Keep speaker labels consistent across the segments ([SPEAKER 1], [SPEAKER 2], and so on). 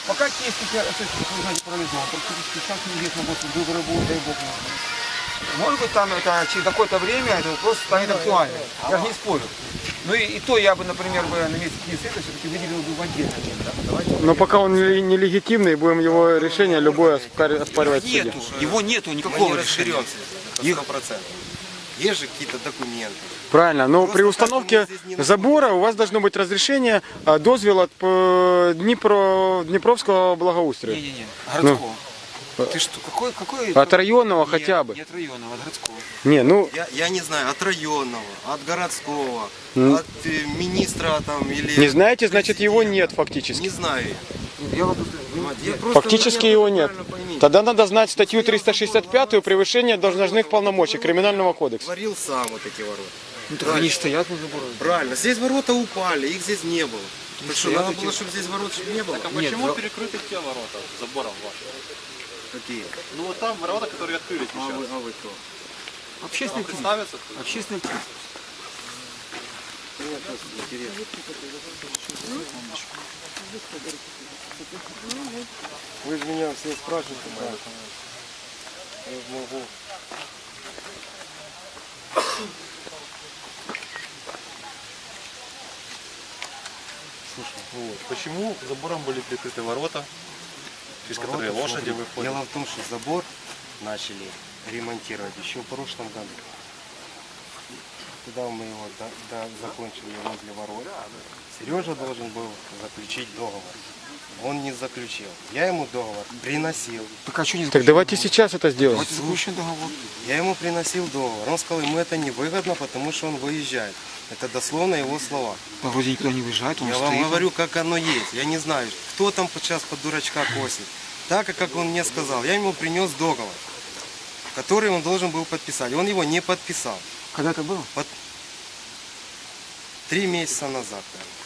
[SPEAKER 1] Пока кейс, вы знаете, парализован, практически сейчас неизвестно, выборы будут, дай бог. Может быть, там это через какое-то время это вопрос станет актуальным. Я же не спорю. Ну и то я бы, например, на месте Киевсвета все-таки выделил бы в отдельно.
[SPEAKER 2] Но пока он нелегитимный, будем его решение любое оспаривать в суде.
[SPEAKER 1] Его нету никакого решения.
[SPEAKER 3] Это 100%. Есть же какие-то документы.
[SPEAKER 2] Правильно, но при установке забора у вас должно быть разрешение, дозвел от Днепровского благоустрия.
[SPEAKER 1] Не-не-не, городского. Ты что, какой?
[SPEAKER 2] От районного хотя бы.
[SPEAKER 1] Не от районного, от городского.
[SPEAKER 2] Не, ну,
[SPEAKER 3] Я не знаю, от районного, от городского, от министра там или...
[SPEAKER 2] не знаете, значит его нет фактически.
[SPEAKER 3] Не знаю.
[SPEAKER 1] Я вам
[SPEAKER 2] Фактически его нет. Тогда надо знать статью 365 превышение должностных полномочий Криминального кодекса.
[SPEAKER 3] Творил сам вот эти ворота.
[SPEAKER 1] Ну, так они стоят на заборе.
[SPEAKER 3] Правильно, здесь ворота упали, их здесь не было. Так что,
[SPEAKER 1] стоят
[SPEAKER 3] надо
[SPEAKER 1] эти-
[SPEAKER 3] было, чтобы здесь ворот не было?
[SPEAKER 4] Так а почему перекрыты те ворота забором вашим?
[SPEAKER 3] Какие?
[SPEAKER 4] Ну вот там ворота, которые открылись сейчас.
[SPEAKER 3] А вы кто?
[SPEAKER 1] Общественный активист.
[SPEAKER 4] Представиться?
[SPEAKER 1] Общественный активист.
[SPEAKER 3] Мне просто интересно. Вы же меня все спрашиваете, да? Я могу.
[SPEAKER 4] Слушай, вот. Почему забором были прикрыты ворота, через которые
[SPEAKER 3] Ворота,
[SPEAKER 4] лошади
[SPEAKER 3] смотри,
[SPEAKER 4] выходят?
[SPEAKER 3] Дело в том, что забор начали ремонтировать еще в прошлом году. Когда мы его закончили возле ворот, Сережа должен был заключить договор. Он не заключил. Я ему договор приносил.
[SPEAKER 1] Так а что не
[SPEAKER 2] Так давайте сейчас это сделаем.
[SPEAKER 1] Давайте заключим договор.
[SPEAKER 3] Я ему приносил договор. Он сказал, ему это невыгодно, потому что он выезжает. Это дословно его слова.
[SPEAKER 1] Да вроде никуда не выезжает, он
[SPEAKER 3] Я
[SPEAKER 1] стоит.
[SPEAKER 3] вам говорю, как оно есть. Я не знаю, кто там сейчас под дурачка косит. Так, как он мне сказал. Я ему принес договор, который он должен был подписать. Он его не подписал.
[SPEAKER 1] Когда это было?
[SPEAKER 3] 3 месяца назад.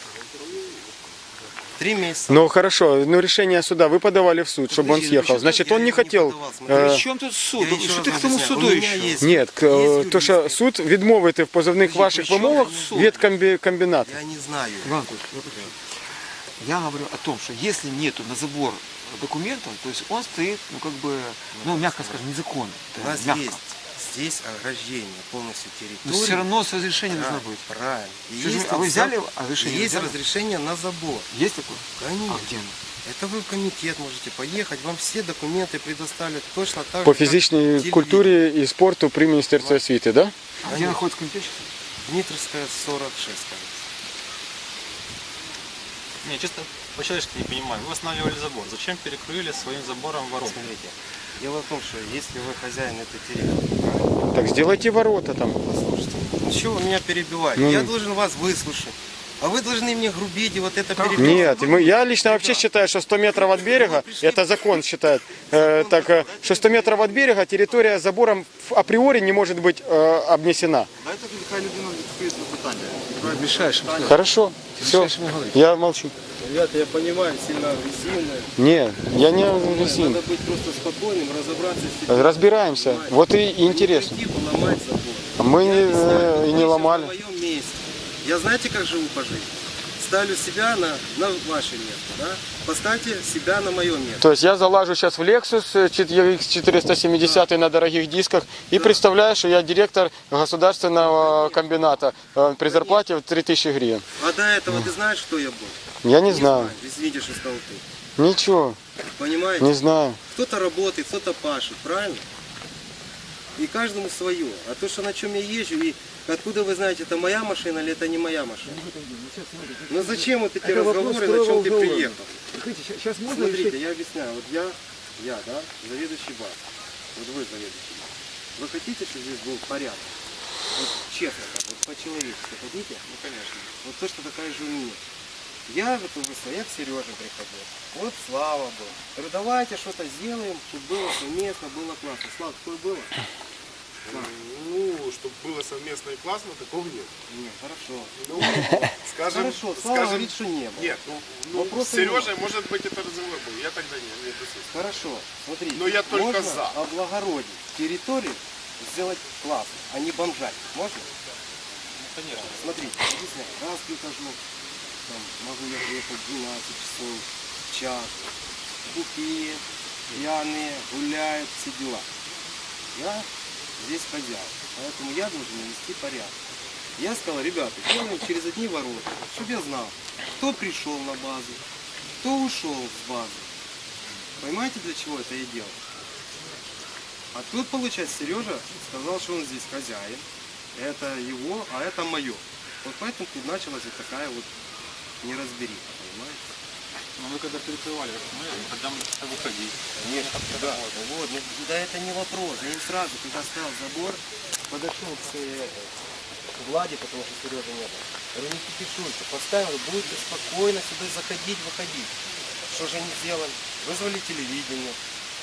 [SPEAKER 3] 3 месяца.
[SPEAKER 2] Ну хорошо, но решение суда вы подавали в суд, чтобы он
[SPEAKER 3] Подожди,
[SPEAKER 2] съехал.
[SPEAKER 3] ну,
[SPEAKER 2] Значит,
[SPEAKER 3] я
[SPEAKER 2] он не
[SPEAKER 3] его не
[SPEAKER 2] хотел.
[SPEAKER 3] подавал, смотри.
[SPEAKER 2] э,
[SPEAKER 1] При чем тут суд?
[SPEAKER 3] Я еще
[SPEAKER 1] Что
[SPEAKER 3] раз
[SPEAKER 1] ты к тому
[SPEAKER 3] объясняю.
[SPEAKER 1] суду
[SPEAKER 3] У меня
[SPEAKER 1] еще?
[SPEAKER 3] есть-
[SPEAKER 2] Нет,
[SPEAKER 3] есть
[SPEAKER 2] то, що
[SPEAKER 3] юрист.
[SPEAKER 2] суд відмовити в позовних ваших
[SPEAKER 1] при чому
[SPEAKER 2] вимогах
[SPEAKER 1] тут суд?
[SPEAKER 2] від комбіната.
[SPEAKER 3] Я не знаю.
[SPEAKER 1] Иван Анатольевич, я говорю о том, что если нету на забор документов, то есть он стоит, ну как бы, ну мягко скажем, незаконно.
[SPEAKER 3] У нас
[SPEAKER 1] Мягко.
[SPEAKER 3] есть здесь ограждение полностью территории.
[SPEAKER 1] Но все равно с разрешением должно быть.
[SPEAKER 3] Правильно. И
[SPEAKER 1] Скажи,
[SPEAKER 3] есть
[SPEAKER 1] а вы
[SPEAKER 3] вот
[SPEAKER 1] взяли
[SPEAKER 3] зап-
[SPEAKER 1] разрешение?
[SPEAKER 3] Есть
[SPEAKER 1] Взяли?
[SPEAKER 3] разрешение на забор.
[SPEAKER 1] Есть такое?
[SPEAKER 3] Конечно.
[SPEAKER 1] А где оно?
[SPEAKER 3] Это вы в комитет можете поехать, вам все документы предоставят точно так
[SPEAKER 2] По
[SPEAKER 3] же, как
[SPEAKER 2] фізичній
[SPEAKER 3] телевидение.
[SPEAKER 2] культурі і спорту при Міністерстві освіти, да?
[SPEAKER 1] А где находится комитет?
[SPEAKER 3] Дмитровская 46, кажется.
[SPEAKER 4] Не, чисто по-человечески не понимаю. Вы восстанавливали забор. Зачем перекрыли своим забором ворота?
[SPEAKER 3] Смотрите, дело в том, что если вы хозяин этой территории,
[SPEAKER 2] Так сделайте ворота там.
[SPEAKER 3] послушайте, ну чего вы меня перебиваете?
[SPEAKER 2] Ну,
[SPEAKER 3] Я должен вас выслушать. А вы должны мне грубить и вот это перебивать.
[SPEAKER 2] Нет, я лично вообще считаю, что 100 метров от берега, это закон считает, что 100 метров от берега территория забором априори не может быть обнесена.
[SPEAKER 4] Дайте хай людина відповідь на питання.
[SPEAKER 1] Мешаешь.
[SPEAKER 2] Хорошо, все, я молчу.
[SPEAKER 3] Ребята, я понимаю, сильно агрессивно.
[SPEAKER 2] Не, я не агрессивный.
[SPEAKER 3] Надо быть просто спокойным, разобраться с этим.
[SPEAKER 2] Разбираемся. Вот и интересно.
[SPEAKER 3] Не пойти поломать забор.
[SPEAKER 2] Мы
[SPEAKER 3] Я
[SPEAKER 2] и
[SPEAKER 3] объясняю,
[SPEAKER 2] не
[SPEAKER 3] вы
[SPEAKER 2] ломали.
[SPEAKER 3] На моем месте. Я знаете, как живу по жизни? Ставлю себя на ваше место, да? Поставьте себя на мое место.
[SPEAKER 2] То есть я залажу сейчас в Lexus X470 на дорогих дисках и представляю, что я директор государственного комбината при зарплате в 3000 гривен.
[SPEAKER 3] А до этого ты знаешь, кто я был?
[SPEAKER 2] Я не знаю.
[SPEAKER 3] Извините, что сказал ты.
[SPEAKER 2] Ничего,
[SPEAKER 3] Понимаете?
[SPEAKER 2] не знаю.
[SPEAKER 3] Кто-то работает, кто-то пашет, правильно? И каждому свое. А то, что на чем я езжу, и откуда вы знаете, это моя машина или это не моя машина? Ну зачем вот эти разговоры, на чем ты приехал?
[SPEAKER 1] Сейчас
[SPEAKER 3] Смотрите, я объясняю. Вот я, да, заведующий БАС. Вот вы заведующий БАС. Вы хотите, чтобы здесь был порядок? Вот честно так, вот по-человечески хотите?
[SPEAKER 4] Ну, конечно.
[SPEAKER 3] Вот то, что такая же у меня. Я вот я к Сереже приходил. Вот Слава был. Говорю, давайте что-то сделаем, чтобы было совместно, было классно. Слава, такое было?
[SPEAKER 5] Ну, чтобы было совместно и классно, такого нет.
[SPEAKER 3] Нет, хорошо.
[SPEAKER 5] Ну, скажем,
[SPEAKER 3] Хорошо, Слава говорит, что не было.
[SPEAKER 5] нет, ну
[SPEAKER 3] Вопрос
[SPEAKER 5] с Сережей, может быть, это разговор был. Я тогда не присутствовал.
[SPEAKER 3] Хорошо, смотрите.
[SPEAKER 5] Но я только
[SPEAKER 3] можно
[SPEAKER 5] за.
[SPEAKER 3] облагородить территорию, сделать классно, а не бомжать. Можно?
[SPEAKER 4] Конечно.
[SPEAKER 3] Смотрите, объясняю. Раз прихожу, там, могу я приехать 12 часов, в час. бухие, пьяные, гуляют, все дела. Я здесь хозяин, поэтому я должен навести порядок. Я сказал, ребята, делаем через одни ворота, чтобы я знал, кто пришел на базу, кто ушел с базы. Понимаете, для чего это я делал? А тут, получается, Сережа сказал, что он здесь хозяин. Это его, а это мое. Вот поэтому тут началась вот такая вот неразбериха, понимаете?
[SPEAKER 4] Но вы когда перекрывали, когда мы стали выходить.
[SPEAKER 3] Нет, да. Вот, ну, да это не вопрос. Я им сразу, когда ставил забор, подошел к Владе, потому что Сережи не было. Говорю, не кипишуйте, поставил, будете спокойно сюда заходить, выходить. Что же они сделали? Вызвали телевидение.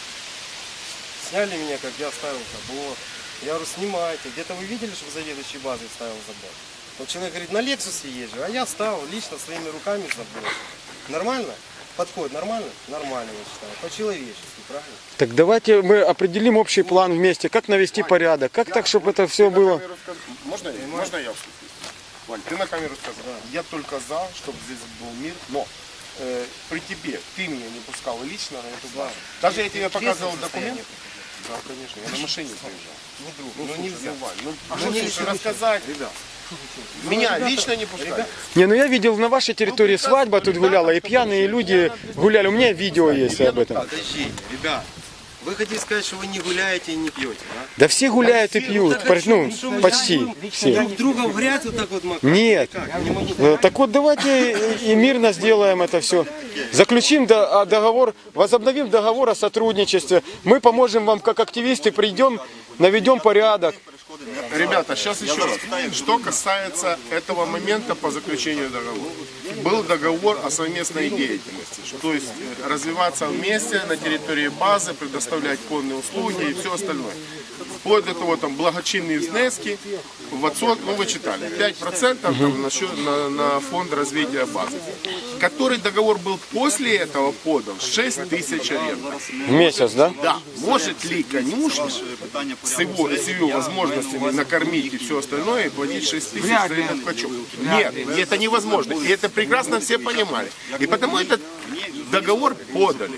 [SPEAKER 3] Сняли меня, как я ставил забор. Я говорю, снимайте. Где-то вы видели, чтобы заведующий базой ставил забор? Вот человек говорит, на Лексусе езжу, а я ставил лично своими руками забор. Нормально? Подходит нормально? Нормально, я считаю. По-человечески, правильно?
[SPEAKER 2] Так давайте мы определим общий план вместе, как навести порядок, как так, чтобы это все было.
[SPEAKER 5] Можно я вступлю? Вань, ты на камеру сказал. Я только за, чтобы здесь был мир, но при тебе ты меня не пускал лично на эту базу. Даже я тебе показывал документ. Да, конечно, я на машине приезжал. Ну нельзя, Вань. Ну мне еще рассказать, ребят. Меня лично не пускали.
[SPEAKER 2] Не, ну я видел на вашей территории свадьба тут гуляла, и пьяные люди гуляли. У меня видео есть об этом.
[SPEAKER 3] Подождите, ребят. Вы хотите сказать, что вы не гуляете и не пьете, да?
[SPEAKER 2] Да все гуляют и пьют, ну, почти все.
[SPEAKER 3] Друг друга в грязь вот так вот макать?
[SPEAKER 2] Нет. Так вот давайте и мирно сделаем это все. Заключим договор, возобновим договор о сотрудничестве. Мы поможем вам как активисты, придем, наведем порядок.
[SPEAKER 5] Ребята, сейчас еще раз. Что касается этого момента по заключению договора. Был договор о совместной деятельности. То есть развиваться вместе на территории базы, предоставлять конные услуги и все остальное. Вплоть до того, там, благочинные внески в отсот, ну вы читали, 5% там, на фонд развития базы. Который договор был после этого подан 6 тысяч аренды.
[SPEAKER 2] В месяц, да?
[SPEAKER 5] Да. Может ли конюшня с его возможностями накормить и все остальное и платить 6 тысяч за этот качок? Нет, это невозможно. И это прекрасно все понимали. И потому этот договор подали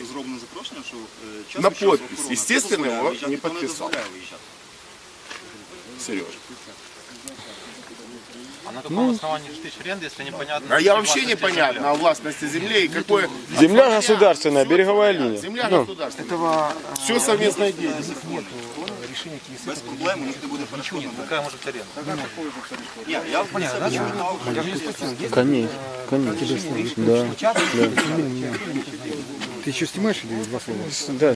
[SPEAKER 5] на подпись. Естественно, его не подписал Сережа.
[SPEAKER 4] А на каком основании 6 тысяч аренды, если непонятно?
[SPEAKER 5] А я вообще непонятно о властности земли и какое...
[SPEAKER 2] Земля государственная, береговая линия.
[SPEAKER 5] Земля государственная. Все совместное деятельность.
[SPEAKER 6] Без проблем, у них не буде перешкоди.
[SPEAKER 4] Какая может быть аренда?
[SPEAKER 6] Ні, я в
[SPEAKER 2] Конечно, конечно. Да.
[SPEAKER 7] Ты еще снимаешь или два слова?
[SPEAKER 2] Да.